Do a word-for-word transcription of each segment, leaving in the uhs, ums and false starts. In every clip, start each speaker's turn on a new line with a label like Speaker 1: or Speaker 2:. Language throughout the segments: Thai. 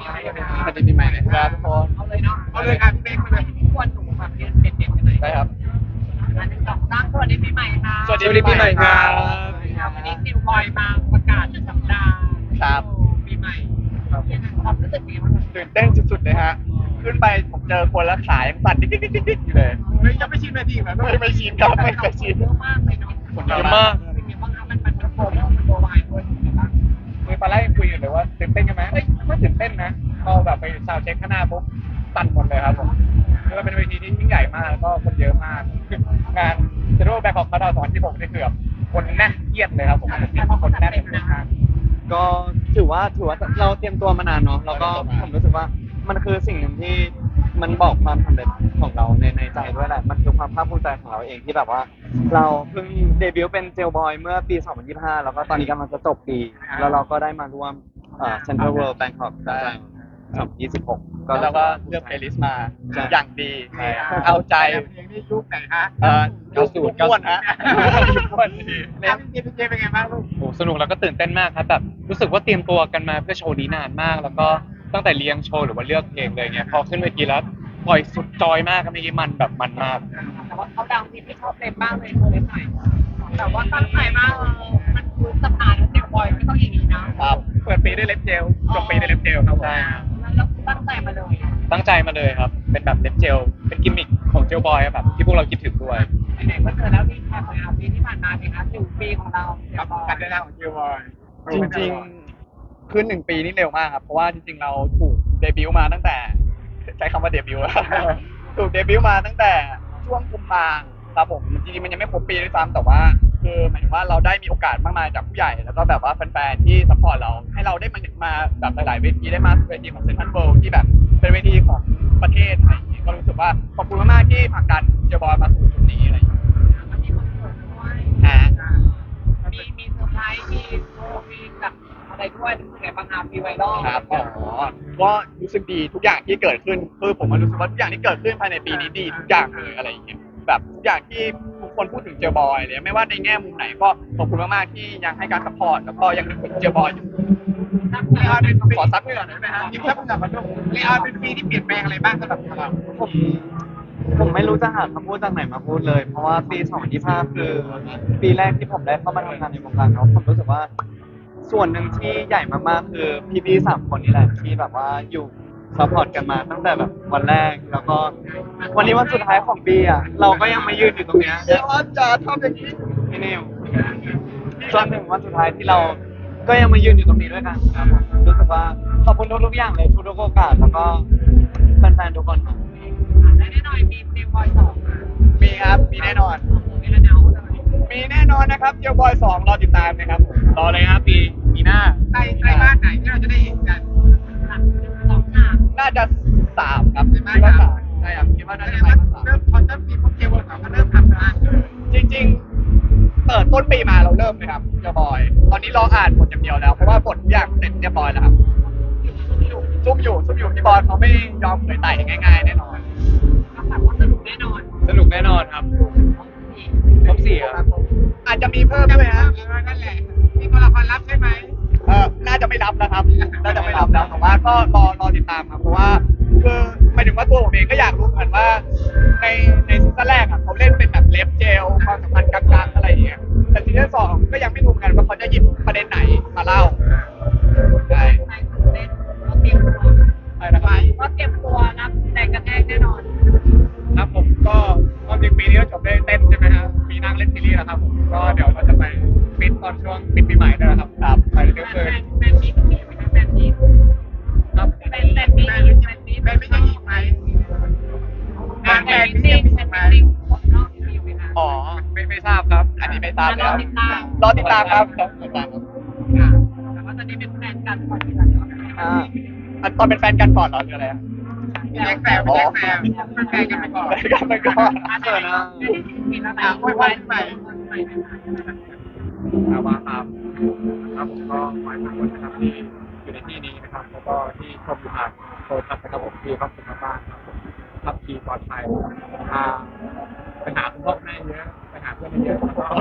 Speaker 1: สวัสดีปีใหม่นะครับทุกคน
Speaker 2: เอาเลยเนาะเอาเลยครับพี่เป๊กมาเลยที่ควรหนูแบบเรียนเด็ดๆกันเลย
Speaker 1: ได้ครับ
Speaker 2: อันหนึ่งสองสามสวัสดีปีใหม่ค่ะ
Speaker 1: สวัสดีปีใหม่ครับ
Speaker 2: วันนี้นิวบอยมาประกาศสัปดาห์
Speaker 1: ครับ
Speaker 2: ปีใหม่
Speaker 1: ครับ
Speaker 2: ความรู้สึกเป็นยังไงบ้าง
Speaker 1: ตื่นเต้นสุดๆเลยฮะ ขึ้นไปผมเจอคนแล้วขายังสั่นดิ๊กดิ๊กดิ๊กดิ๊กอยู่เลย
Speaker 2: เฮ้ยจะไม่ชินนาทีเหรอ
Speaker 1: ไม่ไม่ชินครับไม่เคยชิน
Speaker 2: เยอะมากเลยเนาะ
Speaker 1: คนเยอะมาก
Speaker 2: เป็นยังไงบ้างครับมันมันมันโปรโมทมันโปรไวด์ด้วยเป็นยังไงบ้าง
Speaker 1: คือตอนแรกยังคุยอยู่เลยว่าตื่นเต้นกันไหมเอ้ยไม่ตื่นเต้นนะพอแบบไปซาวด์เช็คข้างหน้าปุ๊บสั่นหมดเลยครับผมคือมันเป็นเวทีที่ยิ่งใหญ่มากแล้วก็คนเยอะมากงานเซโร่แบ็คของคาราสองที่ผมได้คือแบบคนแน่นเทียดเลยครับผมคนแน่นเลยมาก
Speaker 3: ก็ถือว่าถือว่าเราเตรียมตัวมานานเนาะแล้วก็ผมรู้สึกว่ามันคือสิ่งหนึ่งที่มันบอกความสำเร็จของเราในในใจด้วยแหละมันคือความภาคภูมิใจของเราเองที่แบบว่า เราเพิ่งเดบิวต์เป็นเจลบอยเมื่อปี สองพันยี่สิบห้า แล้วก็ตอนนี้กำลังจะจบปี แล้วเราก็ได้มาร่วมเอ่อ Central World Bangkok ได้สองพันยี่สิบหก
Speaker 1: แล้วเราก็เลือกเพลย์ลิสต์มา
Speaker 3: ใช่
Speaker 1: อย่างดี เอาใจ
Speaker 2: เพลงนี้ยุคไหนฮะ
Speaker 1: เอ่อเก้าสิบก้วนฮะก้วนดี
Speaker 2: แล้วพี่เจพี่เจเป็นไงบ้างลูก
Speaker 4: โอ้สนุกแล้วก็ตื่นเต้นมากครับแบบรู้สึกว่าเตรียมตัวกันมาเพื่อโชว์นี้นานมาก แล้วก็ตั้งแต่เรียงโชว์หรือว่าเลือกเพลงเลยเนี่ยพอขึ้นเวทีแล้วปล่อยสุดจอยมากครับเมื่อกี้มันแบบมันมาก
Speaker 2: แต่ว่าเขาดังพี่ที่ชอบเล่นบ้างเลยโชว์เล่นหน่อยแต่ว่าตั้งใจมากเออมันคือตำนานเด็กบอยไม่ต้องอย่างนี้นะครับ
Speaker 1: เปิดปีด้วยเล็บเจลจบปีด้วยเล็บเจลครับผม
Speaker 4: ใช่ครับ
Speaker 2: แล้วตั้งใจมาเลย
Speaker 4: ตั้งใจมาเลยครับ เป็นแบบเล็บเจลเป็นกิมมิคของเจลบอยอะแบบที่พวกเราคิดถึงด้วย
Speaker 2: ไหนๆก็เจอแล้วรีแคปเลยครับปีที่ผ่านมาเป็นครับหนึ่งปีของเรา
Speaker 1: กับการเดินทางของจิวบอยจริงๆคือหนึ่งปีนี่เร็วมากครับเพราะว่าจริงๆเราถูกเดบิวต์มาตั้งแต่ใช้คำว่าเดบิวต์ ถูกเดบิวต์มาตั้งแต่ช่วงกุมภาครับผมจริงๆมันยังไม่ครบปีด้วยซ้ำแต่ว่าคือหมายถึงว่าเราได้มีโอกาสมากมายจากผู้ใหญ่แล้วก็แบบว่าแฟนๆที่ซัพพอร์ตเราให้เราได้มามาแบบหลายๆเวทีได้มาเวทีของเซนทรัลเวิลด์ที่แบบเป็นเวทีของประเทศอะไรอย่างเงี้ยก็รู้สึกว่าขอบคุณมากๆที่ผลักดันเจบอยมาสู่จุดนี้อะไรอย่างเงี้ย
Speaker 2: มันมีคอนเสิร์ตด้วย
Speaker 1: ฮะ
Speaker 2: มีมีเซอร์ไพรส์มีโชว์มีแบบอะไรด้วยรู้สึกไงบ้างครับมีไวรัล
Speaker 1: ครับอ๋อก็รู้สึกดีทุกอย่างที่เกิดขึ้นคือผมมันรู้สึกว่าทุกอย่างที่เกิดขึ้นภายในปีนี้ดีทุกอย่างเลยอะไรอย่างเงี้ยแบบทุกอย่างที่ทุกคนพูดถึงเจอบอยเลยไม่ว่าในแง่มุมไหนก็ขอบคุณมากๆที่ยังให้การสปอร์ตแล้วก็ยังนึกถึงเจอบอยอยู่
Speaker 2: เลออนเป็น
Speaker 1: ขอซับเหงื่อหน่อยได้ไหมฮะ
Speaker 2: ยิ้มซับเหงื่อมาด้วยเลออนเป็นปีที่เปลี่ยนแปลงอะไรบ้างสำหรับเรา
Speaker 3: ผมผมไม่รู้จะหาคำพูดจากไหนมาพูดเลย เพราะว่าปี สองพันยี่สิบห้า คือปีแรกที่ผมได้เข้ามาทำงานในวงการเนาะผมรู้สึกว่า ส่วนหนึ่งที่ใหญ่มากๆคือพี่ๆสามคนนี่แหละที่แบบว่าอยู่ซัพพอร์ตกันมาตั้งแต่แบบวันแรกแล้วก็วันนี้วันสุดท้ายของปีอ่ะเราก็ยังมายืนอยู่ตรงเนี้ย
Speaker 1: เดี๋ยวอาจารย์ทำอย่างนี้
Speaker 3: พี่นิวจนถึงวันสุดท้ายที่เราก็ยังมายืนอยู่ตรงนี้ด้วยกันครับผมรู้สึกว่าขอบคุณทุกๆอย่างเลยทุกๆโอกาสแล้วก็แฟนๆทุกคนครับ
Speaker 2: และแน่นอนมีเพลงบอยสอง
Speaker 1: มีครับมีแน่นอน
Speaker 2: มีระเนาเลย
Speaker 1: มีแน่นอนนะครับเจอบอยสองรอติดตามนะครับผมรอเลยครับปีปีหน้า
Speaker 2: ใต้ใต้บ้านไหนที่เราจะได้เห็นกันสองฉาก
Speaker 1: น่าจะสามครับ
Speaker 2: ใน
Speaker 1: คิด
Speaker 2: บ้าน
Speaker 1: ว่า
Speaker 2: สา
Speaker 1: สาม มใช่ครับคิดว่าน่า
Speaker 2: แสด
Speaker 1: จะ
Speaker 2: ง
Speaker 1: ไป
Speaker 2: ว่า
Speaker 1: สาม
Speaker 2: เริ่มพอเริ่มปีพวกเจวสองก็เริ่มทำงานเลย
Speaker 1: จริงๆ เปิดต้นปีมาเราเริ่มเลยครับเจอบอย ตอนนี้รออ่านบทอย่างเดียวแล้ว เพราะว่าบททุกอย่างเสร็จเรียบร้อยแล้วครับซุ่มอยู่ซุ่มอยู่พี่บอยเขาไม่ยอมเผยไต่ง่ายๆแน่นอน
Speaker 2: ก็แบบว่าสนุกแน่นอน
Speaker 4: สนุกแน่นอนครับครบสี่ครับ
Speaker 1: อาจจะมีเพิ่มด้วยฮะ
Speaker 2: นั่นแหละมีตัวละครลับใช่ไหม
Speaker 1: เออน่าจะไม่รับแล้วครับ น่าจะไม่รับแล้วแต่ว่าก็รอรอติดตามครับ เพราะว่าคือหมายถึงว่าตัวผมเองก็อยากรู้เหมือนกันว่า ในในซีซั่นแรกอ่ะเขาเล่นเป็นแบบเล็บเจลความสัมพันธ์กลางๆอะไรอย่างเงี้ย แต่ซีซั่นสองก็ยังไม่รู้เหมือนกันว่าเขาจะหยิบประเด็นไหนมาเล่าใช่
Speaker 2: ใช่ตื่นเต้นก็เตรียมตัว
Speaker 1: อะไรนะครับ
Speaker 2: ก็เตรียมตัวรับแรงกระแทกแน่นอน
Speaker 1: ครับผมก็ความจริงปีนี้ก็จบได้เต้นใช่ไหมครับปีหนั่งเล่นซีรีส์แล้วครับผมก็เดี๋ยวเราจะไปฟิตตอนช่วงปิดปีใหม่ด้วยนะครับครับไปเรื่อย
Speaker 2: แฟนแฟนมีต้องมีไหมคะแฟนมี
Speaker 1: ๆครับ
Speaker 2: แฟนแฟนมีแฟนมีแฟนมีแฟนมีจะอีกไหมงานแฟนมีแฟนมีของนอกมีไหมคะ
Speaker 1: อ๋อไม่ไม่ทราบครับ อันนี้ไม่ทราบเลยครับ
Speaker 2: ติดตาม
Speaker 1: รอติดตามครับรอติดตามครับ
Speaker 2: แต่ว่าตอนนี้เป็นแฟนกันก่อนที่จะเนาะ
Speaker 3: อ่า
Speaker 1: อันตอนเป็นแฟนกันก่อนเหรอหรืออะไรอะ
Speaker 2: แฟนแฟนแฟนแฟนเป็นแฟนกันไปก่อน
Speaker 1: แฟนกันไปก่อน
Speaker 2: เกิดนะมีแล้วนะคุยไปไปไป
Speaker 4: ครับว่าครับครับผมก็ขอให้ทุกคนนะครับที่อยู่ในที่นี้นะครับแล้วก็ที่ชมอยู่ผ่านโทรศัพท์นะครับผมที่ครอบครัวบ้านครับผมขับขี่ปลอดภัยพาไปหาคุณพ่อแม่เยอะไปหาเพื่อนเยอะแล้วก็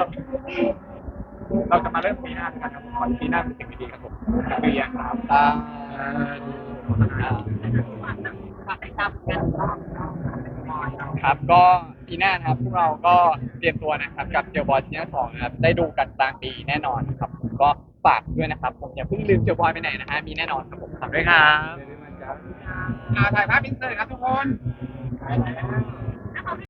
Speaker 4: เราจะมาเริ่มปีหน้าด้วยกันครับผมขอให้ปีหน้าเป็นสิ่งดีๆครับผมเรียนครับ
Speaker 1: ตา
Speaker 4: โฆษณา
Speaker 2: ฝากติดตามกัน
Speaker 1: ครับก็ปีหน้านะครับพวกเราก็เตรียมตัวนะครับกับเจลบอยซีซั่นสองนะครับได้ดูกันกลางปีแน่นอนครับผมก็ฝากด้วยนะครับผมอย่าเพิ่งลืมเจลบอยไปไหนนะฮะมีแน่นอนครับผมฝากด้วยครับ
Speaker 4: อ่าถ่ายภาพอินเสิร์ตครับทุกคน